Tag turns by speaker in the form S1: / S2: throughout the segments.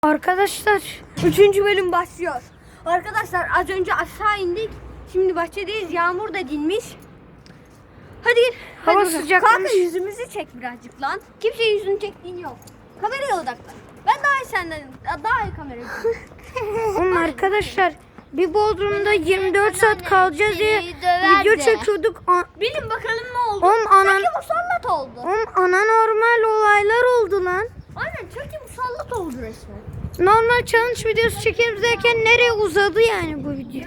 S1: Arkadaşlar 3. bölüm başlıyor. Arkadaşlar az önce aşağı indik. Şimdi bahçedeyiz. Yağmur da dinmiş. Hadi gel.
S2: Hava sıcaklamış.
S1: Kanka yüzümüzü çek birazcık lan. Kimse yüzünü çektiğini yok. Kameraya odaklan. Ben daha iyi senden daha iyi kamerayı
S2: Oğlum arkadaşlar bir Bodrum'da 24 saat kalacağız diye video çekiyorduk.
S1: Bilin bakalım ne oldu?
S2: Oğlum
S1: Sanki musallat oldu.
S2: Anormal olaylar oldu lan.
S1: Aynen çünkü musallat oldu resmen.
S2: Normal challenge videosu çekiyoruz derken nereye uzadı yani bu video?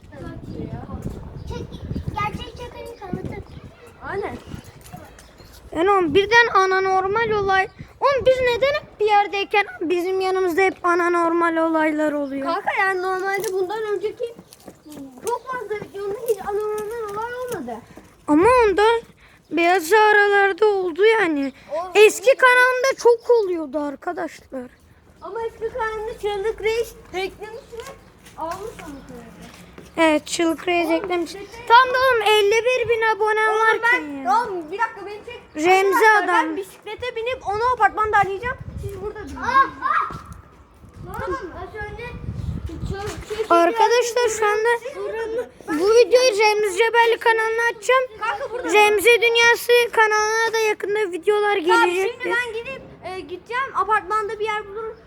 S3: Gerçek çakırın kanıtı.
S1: Aynen.
S2: Yani oğlum birden anormal olay. Oğlum biz neden hep bir yerdeyken bizim yanımızda hep anormal olaylar oluyor?
S1: Kanka yani normalde bundan önceki çok fazla videonun hiç anormal olay olmadı.
S2: Ama onda beyaz aralarda oldu yani.
S1: Oğlum,
S2: Eski kanalımda çok oluyordu arkadaşlar.
S1: Ama eski kanalında Çığlık Reis eklemişler. Almış onu söyledi.
S2: Evet çığlık reis eklemiş. Tam da oğlum 51 bin abone
S1: Oğlum
S2: varken
S1: ben,
S2: ya.
S1: oğlum bir dakika beni çek.
S2: Remzi
S1: Arkadaşlar,
S2: adam.
S1: Ben bisiklete binip onu apartmanda arayacağım. Siz burada durun. Tamam az önce
S2: Arkadaşlar şu anda bu videoyu Remzi Cebelli kanalına açacağım.
S1: Kanka burada.
S2: Remzi Dünyası kanalına da yakında videolar
S1: Tamam, şimdi
S2: gelecektir.
S1: ben gidip gideceğim apartmanda bir yer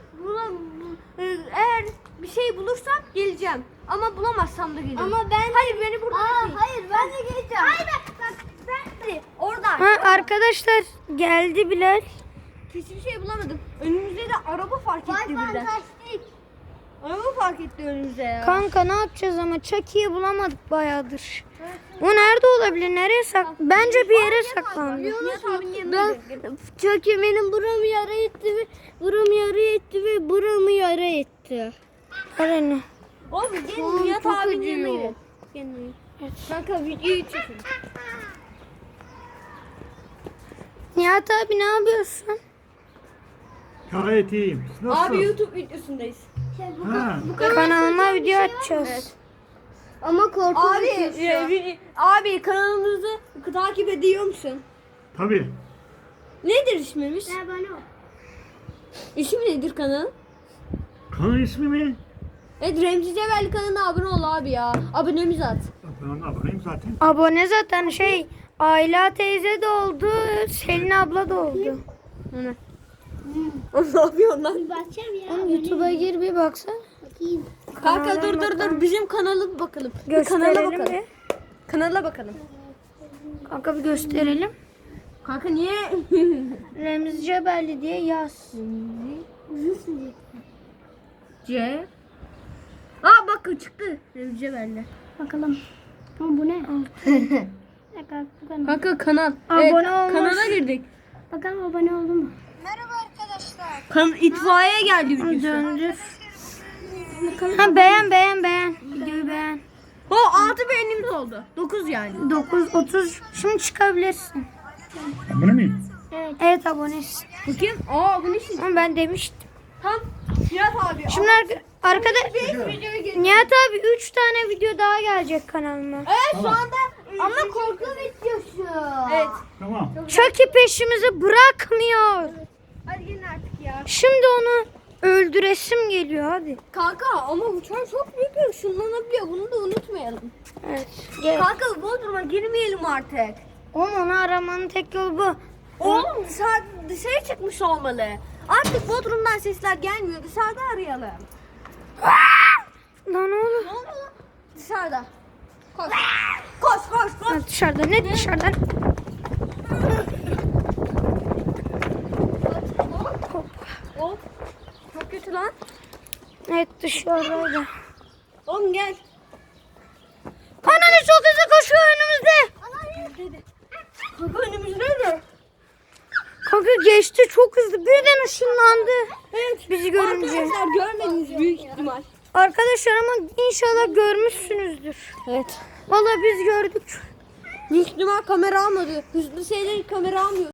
S1: eğer bir şey bulursam geleceğim. Ama bulamazsam da geleceğim.
S3: Ama ben...
S1: Hayır beni burada bekleyin.
S3: Hayır ben de geleceğim. Hayır
S1: Hadi oradan.
S2: Ha, arkadaşlar geldi Bilal.
S1: Hiçbir şey bulamadım. Önümüzde de araba fark etti birden.
S3: fantastik.
S1: Araba fark etti önümüzde ya.
S2: Kanka ne yapacağız ama Chucky'yi bulamadık bayağıdır. O nerede olabilir? Nereye Bence bir yere saklandı.
S1: Nihat abinin yanına gidelim.
S3: Çünkü benim buramı yara etti ve buramı yara etti ve buramı yara etti.
S2: Arena.
S1: Oğlum gelin Nihat abinin yanına gidelim. Gelin. Kanka videoyu çekin.
S2: Nihat abi ne yapıyorsun?
S4: Gayet iyiyim. Nasıl?
S1: Abi YouTube videosundayız.
S4: Ha,
S2: Kanalıma video açacağız.
S3: Ama korku
S1: Abi kanalımızı takip ediyor musun?
S4: tabii.
S1: Nedir ismimiz?
S3: bana o.
S1: İsmi nedir kanalın?
S4: Kanal ismi mi?
S1: Evet Remzi Cebelli kanalına abone ol abi ya. Abonemiz at.
S4: Ben aboneyim zaten.
S2: Abone zaten Ayla teyze de oldu, Selin abla da oldu.
S1: O ne yapıyor lan?
S3: Bakacağım ya.
S2: Oğlum YouTube'a gir bir baksana.
S3: Bakayım.
S1: Kanka dur bizim kanalı bir bakalım. Bir kanala
S2: Gösterelim
S1: bakalım.
S2: bir.
S1: Kanala bakalım.
S2: Kanka bir gösterelim.
S1: Kanka niye?
S2: Remzi Cebelli diye yaz.
S1: C. Aa bak çıktı. Remzi Cebelli.
S3: Bakalım. Ama bu ne? Bakalım.
S1: Kanka kanal.
S2: Abone olmuş.
S1: Kanala girdik.
S3: Bakalım abone oldu mu?
S1: İtfaiye geldi videosu.
S2: Döndür. Ha beğen. Videoyu beğen.
S1: O 6 beğenimiz oldu. 9 yani.
S2: 9.30 şimdi çıkabilirsin.
S4: Abone miyim?
S2: Evet abonesin.
S1: Bakayım. Aa bu ne şimdi?
S2: Ama ben demiştim.
S1: Tam Nihat abi.
S2: Şimdi arkada Nihat abi 3 tane video daha gelecek kanalıma.
S1: Evet şu anda
S3: Ama korku videosu.
S1: evet.
S4: Tamam.
S2: Chucky peşimizi bırakmıyor.
S1: Hadi gelin artık ya.
S2: Şimdi onu öldüresim geliyor hadi.
S1: Kanka ama uçan çok büyük bir ışınlanabiliyor. Bunu da unutmayalım.
S2: Evet. Gel.
S1: Kanka Bodrum'a girmeyelim artık.
S2: Oğlum onu aramanın tek yolu bu.
S1: Oğlum dışarı çıkmış olmalı. Artık Bodrum'dan sesler gelmiyor. Dışarıda arayalım.
S2: Lan oğlum.
S1: Ne oldu lan? Dışarıda. Koş. Koş.
S2: Ha, dışarıda ne dışarıdan?
S1: Hop. Çok kötü lan.
S2: Evet dışarıda.
S1: Oğlum gel.
S2: Ananı çok hızlı koşuyor önümüzde.
S1: Kanka önümüzde de.
S2: Kanka geçti çok hızlı birden ışınlandı.
S1: Evet.
S2: Bizi görünce.
S1: Arkadaşlar görmediniz büyük ihtimal.
S2: Arkadaşlar ama inşallah görmüşsünüzdür.
S1: Evet.
S2: Vallahi biz gördük.
S1: Büyük ihtimal kamera almadı. Hızlı şeyleri kamera almıyor.